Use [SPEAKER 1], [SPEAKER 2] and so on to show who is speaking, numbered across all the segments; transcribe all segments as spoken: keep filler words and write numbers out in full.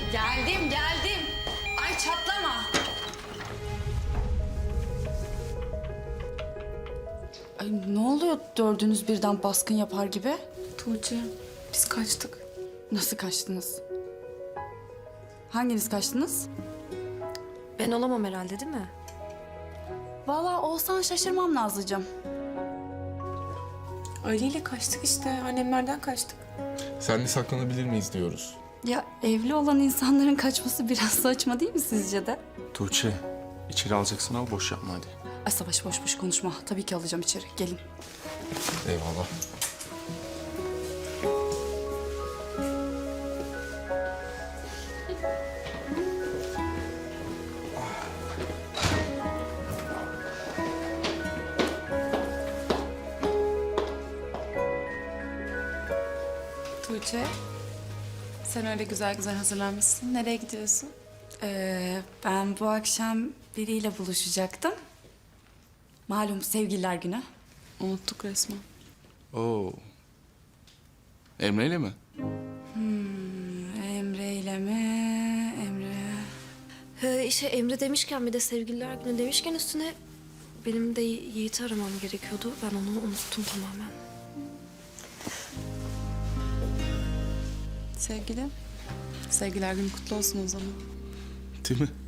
[SPEAKER 1] Geldim, geldim. Ay çatlama. Ay ne oluyor dördünüz birden baskın yapar gibi?
[SPEAKER 2] Tuğçe, biz kaçtık.
[SPEAKER 1] Nasıl kaçtınız? Hanginiz kaçtınız?
[SPEAKER 3] Ben olamam herhalde değil mi?
[SPEAKER 1] Vallahi olsan şaşırmam Nazlıcığım.
[SPEAKER 2] Ali ile kaçtık işte. Annemlerden kaçtık.
[SPEAKER 4] Senle saklanabilir miyiz diyoruz.
[SPEAKER 1] Ya evli olan insanların kaçması biraz saçma değil mi sizce de?
[SPEAKER 5] Tuğçe, içeri alacaksın al, boş yapma hadi.
[SPEAKER 1] Ay Savaş boş boş konuşma. Tabii ki alacağım içeri. Gelin.
[SPEAKER 4] Eyvallah.
[SPEAKER 2] Tuğçe, sen öyle güzel güzel hazırlanmışsın. Nereye gidiyorsun?
[SPEAKER 1] Ee, ben bu akşam biriyle buluşacaktım. Malum sevgililer günü.
[SPEAKER 2] Unuttuk resmen.
[SPEAKER 5] Oo. Emre'yle mi?
[SPEAKER 1] Emre ile mi? Emre...
[SPEAKER 3] He, işte Emre demişken bir de sevgililer günü demişken üstüne benim de Yiğit'i aramam gerekiyordu. Ben onu unuttum tamamen.
[SPEAKER 2] Sevgilim, sevgiler günü kutlu olsun o zaman.
[SPEAKER 5] Değil mi?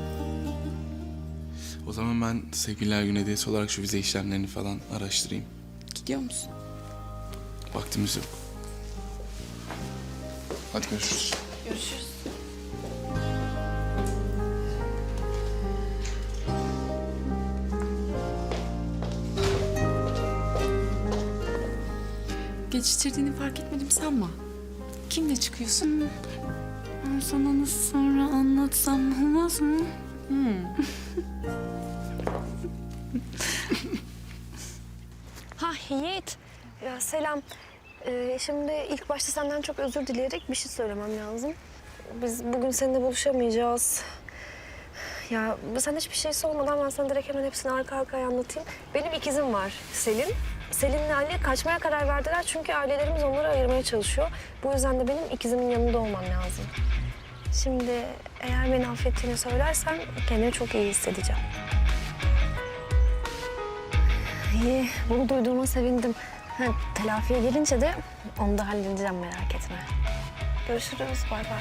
[SPEAKER 5] O zaman ben sevgililer günü hediyesi olarak şu vize işlemlerini falan araştırayım.
[SPEAKER 2] Gidiyor musun?
[SPEAKER 5] Vaktimiz yok. Hadi görüşürüz.
[SPEAKER 3] Görüşürüz.
[SPEAKER 2] Geçiştirdiğini fark etmedim sanma. Kimle çıkıyorsun?
[SPEAKER 1] Ben sana nasıl sonra anlatsam olmaz mı?
[SPEAKER 3] Ha Yiğit. Ya selam. Ee, şimdi ilk başta senden çok özür dileyerek bir şey söylemem lazım. Biz bugün seninle buluşamayacağız. Ya sen hiçbir şey sormadan ben sana direkt hemen hepsini arka arkaya anlatayım. Benim ikizim var Selin. Selin'le Ali kaçmaya karar verdiler çünkü ailelerimiz onları ayırmaya çalışıyor. Bu yüzden de benim ikizimin yanında olmam lazım. Şimdi eğer beni affettiğini söylersen kendimi çok iyi hissedeceğim. İyi, bunu duyduğuma sevindim. Ha, telafiye gelince de onu da halledeceğim, merak etme. Görüşürüz, bay bay.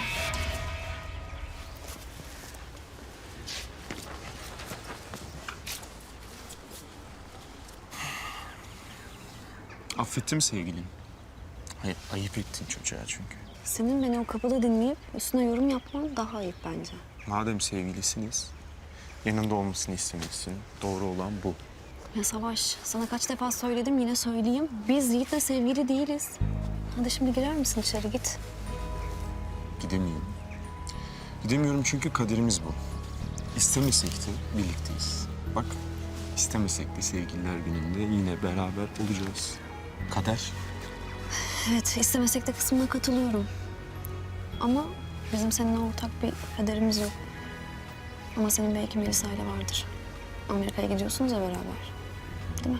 [SPEAKER 5] Affettim sevgilim. Hayır, ayıp ettin çocuğa çünkü.
[SPEAKER 3] Senin beni o kapıda dinleyip üstüne yorum yapman daha ayıp bence.
[SPEAKER 5] Madem sevgilisiniz, yanında olmasını istemişsin. Doğru olan bu.
[SPEAKER 3] Ya Savaş, sana kaç defa söyledim, yine söyleyeyim. Biz Yiğit'le sevgili değiliz. Hadi şimdi girer misin içeri, git.
[SPEAKER 5] Gidemiyorum. Gidemiyorum çünkü kaderimiz bu. İstemesek de birlikteyiz. Bak, istemesek de sevgililer gününde yine beraber olacağız. Kader.
[SPEAKER 3] Evet, istemesek de kısmına katılıyorum. Ama bizim seninle ortak bir kaderimiz yok. Ama senin belki Melisa ile vardır. Amerika'ya gidiyorsunuz ya beraber. Değil mi?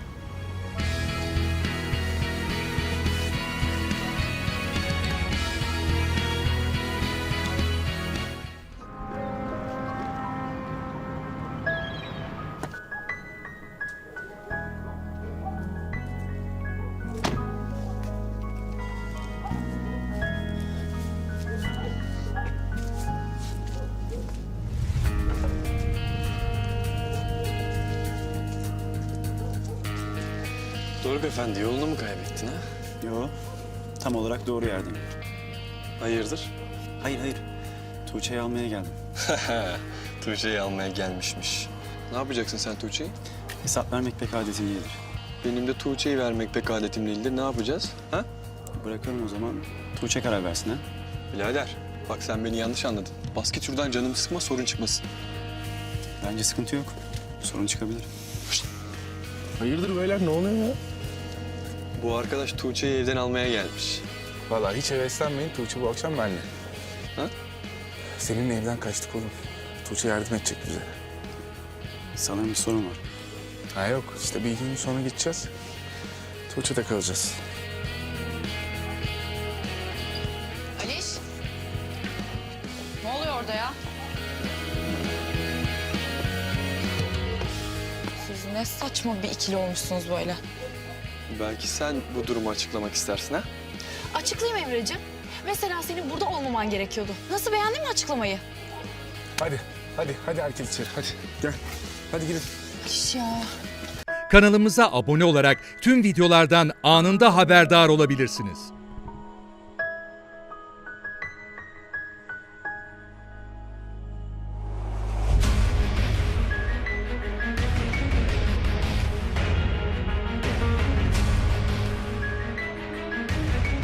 [SPEAKER 6] Doruk Efendi, yolunu mu kaybettin ha?
[SPEAKER 7] Yo, tam olarak doğru yerdeyim.
[SPEAKER 6] Hayırdır?
[SPEAKER 7] Hayır, hayır. Tuğçe'yi almaya geldim.
[SPEAKER 6] Tuğçe'yi almaya gelmişmiş. Ne yapacaksın sen Tuğçe'yi?
[SPEAKER 7] Hesap vermek pek adetim değildir.
[SPEAKER 6] Benim de Tuğçe'yi vermek pek adetim değildir. Ne yapacağız? Ha?
[SPEAKER 7] Bırakalım o zaman. Tuğçe karar versin ha.
[SPEAKER 6] Birader, bak sen beni yanlış anladın. Bas git şuradan, canımı sıkma, sorun çıkmasın.
[SPEAKER 7] Bence sıkıntı yok. Sorun çıkabilir.
[SPEAKER 4] Hayırdır beyler, ne oluyor ya?
[SPEAKER 6] Bu arkadaş Tuğçe'yi evden almaya gelmiş.
[SPEAKER 4] Vallahi hiç heveslenmeyin. Tuğçe bu akşam benimle.
[SPEAKER 6] Ha?
[SPEAKER 4] Seninle evden kaçtık oğlum. Tuğçe yardım edecek bize.
[SPEAKER 7] Sanırım bir sorun var.
[SPEAKER 4] Ha yok, işte bir iki gün sonra gideceğiz. Tuğçe'de kalacağız.
[SPEAKER 1] Aliş. Ne oluyor?
[SPEAKER 8] orada ya? Siz ne saçma bir ikili olmuşsunuz böyle.
[SPEAKER 6] Belki sen bu durumu açıklamak istersin ha?
[SPEAKER 8] Açıklayayım Emre'ciğim. Mesela senin burada olmaman gerekiyordu. Nasıl, beğendin mi açıklamayı?
[SPEAKER 4] Hadi, hadi, hadi herkes içeri. Hadi gel. Hadi gidin.
[SPEAKER 8] Barış ya.
[SPEAKER 9] Kanalımıza abone olarak tüm videolardan anında haberdar olabilirsiniz.